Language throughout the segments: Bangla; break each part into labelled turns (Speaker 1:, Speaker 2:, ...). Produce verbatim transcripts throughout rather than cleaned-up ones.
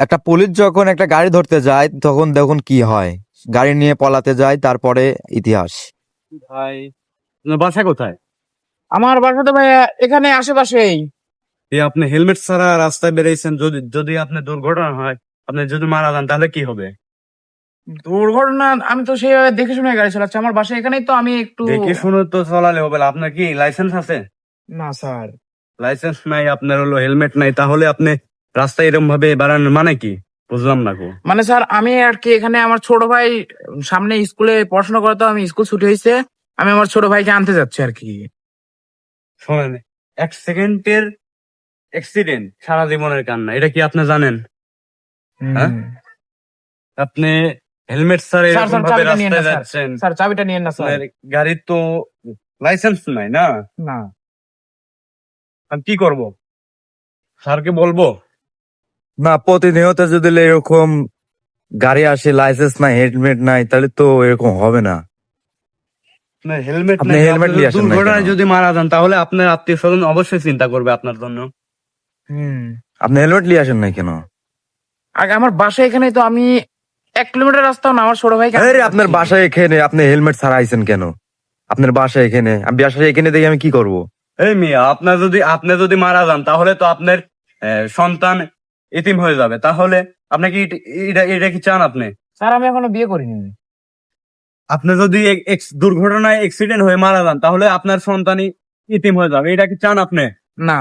Speaker 1: একটা পুলিশ যখন একটা গাড়ি ধরতে যায় তখন দেখুন কি হয়, গাড়ি নিয়ে পলাতে যায়, তারপরে ইতিহাস।
Speaker 2: ভাই আপনার বাসা কোথায়?
Speaker 3: আমার বাসা তো ভাই এখানে আশেপাশেই।
Speaker 2: এই আপনি হেলমেট ছাড়া রাস্তায় বেরিয়েছেন, যদি যদি আপনার দুর্ঘটনা হয়, আপনি যদি মারা যান তাহলে কি হবে?
Speaker 3: দুর্ঘটনা আমি তো সেইভাবে দেখে শুনে গাড়ি চালাচ্ছি, আমার বাসা এখানেই তো, আমি একটু
Speaker 2: দেখে শুনে তো চালালে হবে না। আপনার কি লাইসেন্স আছে?
Speaker 3: না স্যার।
Speaker 2: লাইসেন্স নাই, আপনার হলো হেলমেট নাই, তাহলে আপনি রাস্তায় এরকম ভাবে বাড়ানোর মানে কি? বুঝলাম না গো।
Speaker 3: মানে স্যার আমি আর কি এখানে আমার ছোট ভাই সামনে স্কুলে পড়াশোনা করে, তো আমি স্কুল ছুটি হয়েছে, আমি আমার ছোট ভাইকে আনতে যাচ্ছি আর কি।
Speaker 2: শোনেন, এক সেকেন্ডের অ্যাক্সিডেন্ট সারা জীবনের কান্না, এটা কি আপনি জানেন? হ্যাঁ? আপনি হেলমেট ছাড়া
Speaker 3: স্যার
Speaker 2: এরকম
Speaker 3: স্যার
Speaker 2: ভাবে
Speaker 3: চাবিটা নিয়েন না
Speaker 2: রাস্তায়
Speaker 3: স্যার,
Speaker 2: যাচ্ছেন,
Speaker 3: স্যার চাবিটা নিয়েন না স্যার।
Speaker 2: আপনার গাড়ির তো লাইসেন্স নাই না?
Speaker 3: না
Speaker 2: আমি কি করব? স্যারকে বলবো?
Speaker 1: না, প্রতিনিয়ত যদি এরকম গাড়ি আসে, লাইসেন্স নাই, হেলমেট নাই, তাহলে তো এরকম হবে না।
Speaker 2: না, হেলমেট
Speaker 1: আপনি
Speaker 2: নাই,
Speaker 1: হেলমেট
Speaker 2: আপনি
Speaker 1: নিয়ে আসেন না
Speaker 2: দুর্ঘটনায়
Speaker 1: কেন?
Speaker 2: যদি মারা যান তাহলে আপনার আত্মীয় স্বজন অবশ্যই চিন্তা করবে আপনার জন্য।
Speaker 3: হুম
Speaker 1: আপনি হেলমেট নিয়ে আসেন না কেন?
Speaker 3: আগে আমার বাসা এখানেই তো, আমি এক কিলোমিটার রাস্তাও না, আমার ছোট ভাইকে আনতে
Speaker 1: আরে আপনার
Speaker 3: যাচ্ছি।
Speaker 1: বাসায় এখানে, আপনি হেলমেট ছাড়া আইছেন কেন? আপনার বাসায় এখানে, আমি বাসায় এখানে দেখে আমি কি করব?
Speaker 2: এই মিয়া, আপনার যদি আপনি যদি মারা যান তাহলে তো আপনার আহ, সন্তান এতিম হয়ে যাবে। তাহলে আপনি কি এটা- এটা এটা কি চান আপনি?
Speaker 3: স্যার আমি এখনো বিয়ে করিনি।
Speaker 2: আপনি যদি এক- এক- দুর্ঘটনায় অ্যাক্সিডেন্ট হয়ে মারা যান তাহলে আপনার সন্তানই ইতিম হয়ে যাবে, এটা কি চান আপনি?
Speaker 3: না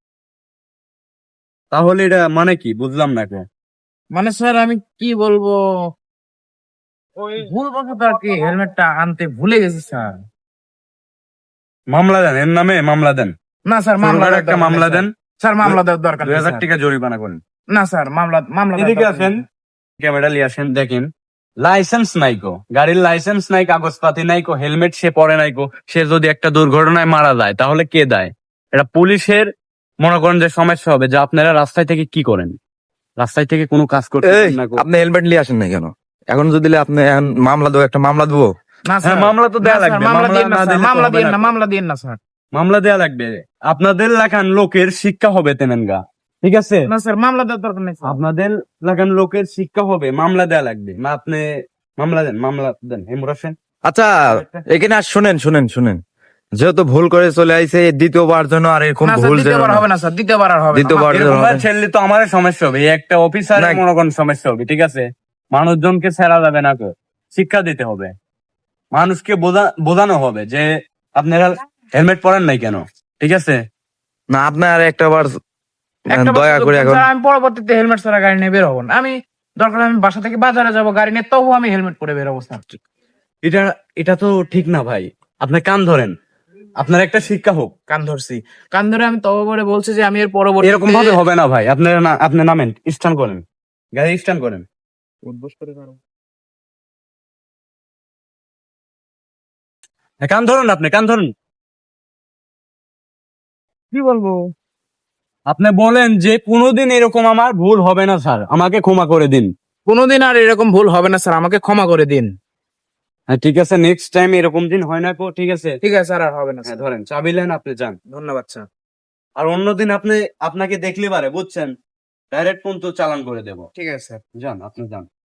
Speaker 2: তাহলে এটা মানে কি? বুঝলাম না কেন।
Speaker 3: মানে স্যার আমি কি বলবো, ওই ভুল বশত আর কি হেলমেটটা আনতে ভুলে গেছি স্যার।
Speaker 2: মামলা দেন, এর নামে মামলা দেন।
Speaker 3: না স্যার মামলা
Speaker 2: ছোটখাটো
Speaker 3: দেওয়ার
Speaker 2: একটা
Speaker 3: দরকার
Speaker 2: মামলা
Speaker 3: নেই,
Speaker 2: দেন,
Speaker 3: স্যার। স্যার মামলা দেওয়ার দরকার
Speaker 2: দুই
Speaker 3: নেই,
Speaker 2: হাজার
Speaker 3: স্যার।
Speaker 2: টাকা জরিমানা করেন।
Speaker 3: না স্যার মামলা মামলা দেওয়ার
Speaker 2: এদিকে
Speaker 3: দরকার
Speaker 2: আসেন,
Speaker 3: নেই।
Speaker 2: ক্যামেরা নিয়ে আসেন, দেখেন লাইসেন্স নাই কো, গাড়ির লাইসেন্স নাই, কাগজপাতি নাই কো, হেলমেট সে পরে নাই কো, সে যদি একটা দুর্ঘটনায় মারা যায় তাহলে কে দায়? এটা পুলিশের মনে করেন যে সমস্যা হবে, যে আপনারা রাস্তায় থেকে কি করেন, রাস্তায় থেকে কোনো কাজ করতে
Speaker 1: এই,
Speaker 2: না কো।
Speaker 1: আপনি হেলমেট নিয়ে আসেন না কেন? এখন যদি আপনি এখন মামলা দেবো, একটা মামলা দেবো।
Speaker 3: না
Speaker 2: হ্যাঁ,
Speaker 3: স্যার
Speaker 2: মামলা তো দেয়া
Speaker 3: না, স্যার,
Speaker 2: লাগবে,
Speaker 3: মামলা
Speaker 2: মামলা
Speaker 3: দিয়েন না
Speaker 2: না
Speaker 3: স্যার,
Speaker 2: দিলে তো
Speaker 3: মামলা
Speaker 2: হবে
Speaker 3: দিয়েন
Speaker 2: না
Speaker 3: না,
Speaker 2: কো।
Speaker 3: মামলা দিয়েন না স্যার।
Speaker 2: মামলা দেয়া লাগবে, আপনাদের লাগান লোকের শিক্ষা হবে তেমেনগা, ঠিক আছে?
Speaker 3: না স্যার মামলা দেওয়ার দরকার নেই স্যার।
Speaker 2: আপনাদের লাগান লোকের শিক্ষা হবে, মামলা দেয়া লাগবে না। আপনি মামলা দেন, মামলা দেন। হেমুর হোসেন,
Speaker 1: আচ্ছা, এখানে আর শুনেন শুনেন শুনেন, যেহেতু ভুল করে চলে আইছে, দ্বিতীয়বার জন্য আর এরকম
Speaker 3: না স্যার
Speaker 1: ভুল যেন
Speaker 3: দ্বিতীয়বার
Speaker 1: না।
Speaker 3: হবে না স্যার, দ্বিতীয়বার আর হবে না।
Speaker 1: দ্বিতীয়বার
Speaker 3: আমার-
Speaker 1: যেন
Speaker 2: এরকম
Speaker 1: হবে।
Speaker 2: ছেলে তো আমার সমস্যা হবে, এই একটা অফিসারের
Speaker 1: না।
Speaker 2: মনে করেন সমস্যা হবে, ঠিক আছে? মানুষজনকে ছেড়া যাবে না কো, শিক্ষা দিতে হবে, মানুষকে বোঝা বোঝানো হবে যে আপনারা হেলমেট পরেন নাই কেন, ঠিক আছে?
Speaker 1: না, আপনার একটা বার
Speaker 3: একটা বার
Speaker 1: দয়া
Speaker 3: সুযোগ
Speaker 1: করে
Speaker 3: দেন
Speaker 1: এখন।
Speaker 3: স্যার, আমি পরবর্তীতে হেলমেট ছাড়া গাড়ি নিয়ে বের হবো না। আমি দরকার হলে আমি বাসা থেকে বাজারে যাবো গাড়ি নিয়ে, তবু আমি হেলমেট পরে বের হবো স্যার।
Speaker 2: এটা এটা তো ঠিক না ভাই, আপনি কান ধরেন, আপনার একটা শিক্ষা হোক।
Speaker 3: কান ধরছি, কান ধরে আমি তবু করে বলছি যে আমি এর পরবর্তী
Speaker 2: এরকম ভাবে হবে না ভাই, আপনারা না, আপনি নামেন, স্ট্যান্ড করেন, গাড়ি স্ট্যান্ড করেন। হ্যাঁ, কান ধরুন, আপনি কান ধরুন।
Speaker 3: কি বলবো।
Speaker 2: আপনি বলেন যে কোনোদিন এরকম আমার ভুল হবে না স্যার, আমাকে ক্ষমা করে দিন।
Speaker 3: কোনোদিন আর এরকম ভুল হবে না স্যার, আমাকে ক্ষমা করে দিন।
Speaker 2: হ্যাঁ ঠিক আছে, নেক্সট টাইম এরকম দিন হয় না কো, ঠিক আছে?
Speaker 3: ঠিক আছে স্যার, আর হবে না
Speaker 2: হ্যাঁ
Speaker 3: স্যার।
Speaker 2: ধরেন, চাবি নেন, আপনি যান।
Speaker 3: ধন্যবাদ স্যার।
Speaker 2: আর অন্যদিন আপনি আপনাকে দেখলে পারে, বুঝছেন, ডাইরেক্ট কোন তো চালান করে দেবো।
Speaker 3: ঠিক আছে স্যার।
Speaker 2: যান, আপনি যান।